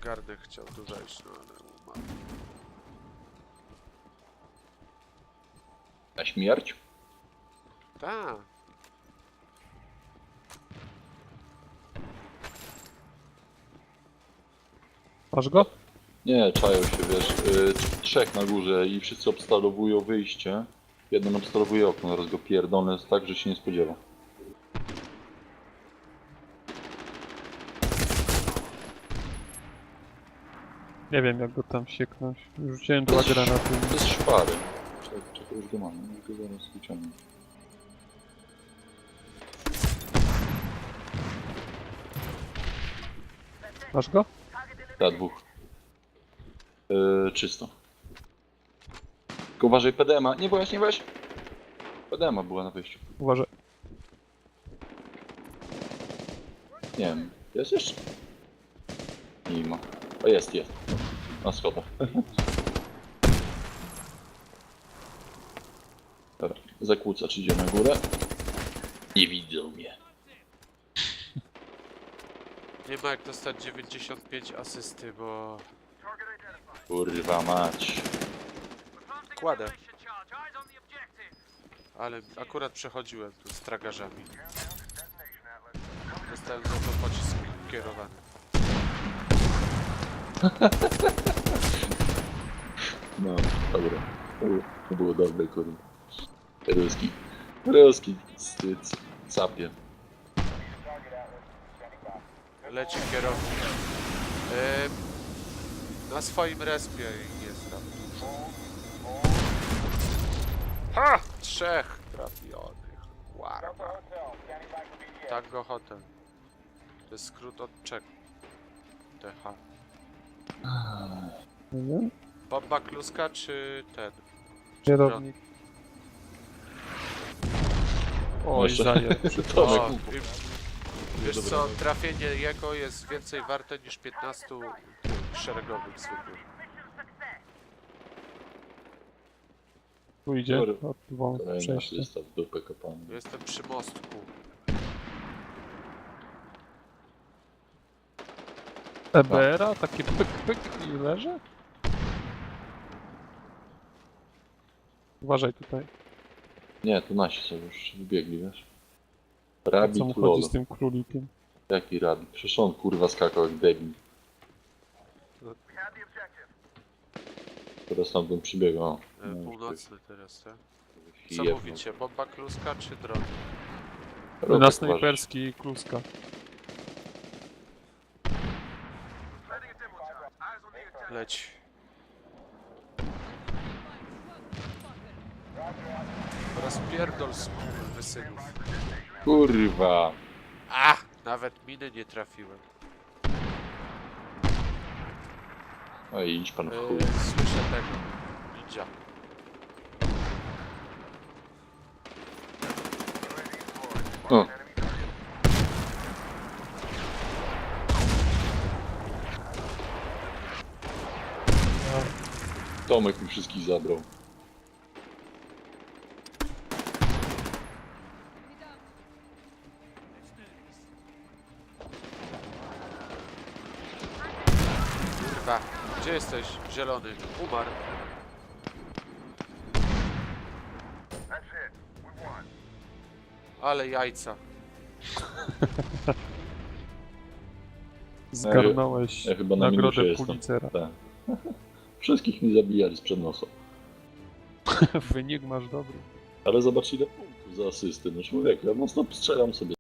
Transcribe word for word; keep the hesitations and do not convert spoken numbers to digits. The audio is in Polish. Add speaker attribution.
Speaker 1: Garnek chciał tu wejść, no ale umarł.
Speaker 2: Na śmierć?
Speaker 1: Tak.
Speaker 3: Masz go?
Speaker 2: Nie, czają się, wiesz, yy, trzech na górze i wszyscy obstalowują wyjście. Jeden obstalowuje okno, zaraz go pierdolę tak, że się nie spodziewa.
Speaker 3: Nie wiem jak go tam sieknąć. Rzuciłem dwa
Speaker 2: To jest-
Speaker 3: granaty.
Speaker 2: To jest szpary. Czekaj, czekaj, już go mam, już go zaraz wyciągnę.
Speaker 3: Masz go?
Speaker 2: Ja dwóch. Yy, czysto. Tylko uważaj, P D M a. Nie weź, nie weź! P D M a była na wyjściu.
Speaker 3: Uważaj.
Speaker 2: Nie wiem, jest jeszcze? Nie ma. O, jest, jest. Na schodach. Dobra, zakłócacz idzie na górę. Nie widzą mnie.
Speaker 1: Nie ma jak dostać dziewięćdziesiąt pięć asysty, bo...
Speaker 2: Kurwa mać.
Speaker 1: Kładę. Ale akurat przechodziłem tu z tragarzami. Dostałem za to pocisk kierowany.
Speaker 2: No, dobra. To było- To było dobre, kurwa. Ruski. Ruski. Styc. Capie.
Speaker 1: Leci kierownik. Yy, na swoim respie jest tam. Ha! Trzech trafionych. Warma. Tango Hotel. To jest skrót od Czech. T H.
Speaker 3: Nie?
Speaker 1: Bomba kluska czy ten?
Speaker 3: Kierownik. Oj,
Speaker 2: Jeszcze-
Speaker 3: zaję.
Speaker 2: Tomek.
Speaker 1: O, i- wiesz co, trafienie jego jest więcej warte niż piętnaście szeregowych zwykłych.
Speaker 3: Tu idzie.
Speaker 2: Dobra.
Speaker 3: Od dwóch
Speaker 2: Kolejny
Speaker 3: przejście.
Speaker 2: asysta w dupę kopany.
Speaker 1: Jestem przy mostku.
Speaker 3: E B R a? Takie pyk pyk i leży? Uważaj tutaj.
Speaker 2: Nie, to nasi są już wybiegli, wiesz.
Speaker 3: Co mu
Speaker 2: Rabbit
Speaker 3: chodzi
Speaker 2: lol.
Speaker 3: z tym królikiem?
Speaker 2: Jaki rabbit? Przecież on kurwa skakał jak debil. Teraz tam bym przybiegł. O,
Speaker 1: E,
Speaker 2: no,
Speaker 1: północny teraz, tak?
Speaker 2: ktoś
Speaker 1: Co
Speaker 2: jebnął.
Speaker 1: mówicie? Bomba kluska czy dron?
Speaker 2: Robek
Speaker 3: Na
Speaker 2: uważaj.
Speaker 3: snajperski i kluska.
Speaker 1: Leć. Rozpierdol skurwysynów.
Speaker 2: Kurwa.
Speaker 1: A! Nawet miny nie trafiłem.
Speaker 2: No i idź pan w chuj.
Speaker 1: E, słyszę tego. Ninja.
Speaker 2: O. Tomek mi wszystkich zabrał.
Speaker 1: Kurwa. Gdzie jesteś? Zielony. Umarł. Ale jajca.
Speaker 3: Zgarnąłeś
Speaker 2: Ja chyba na minusie
Speaker 3: nagrodę
Speaker 2: jestem.
Speaker 3: Pulitzera.
Speaker 2: Tak. Wszystkich mi zabijali sprzed nosa.
Speaker 3: Wynik masz dobry.
Speaker 2: Ale zobacz ile punktów za asysty. No człowieku, ja mocno strzelam sobie.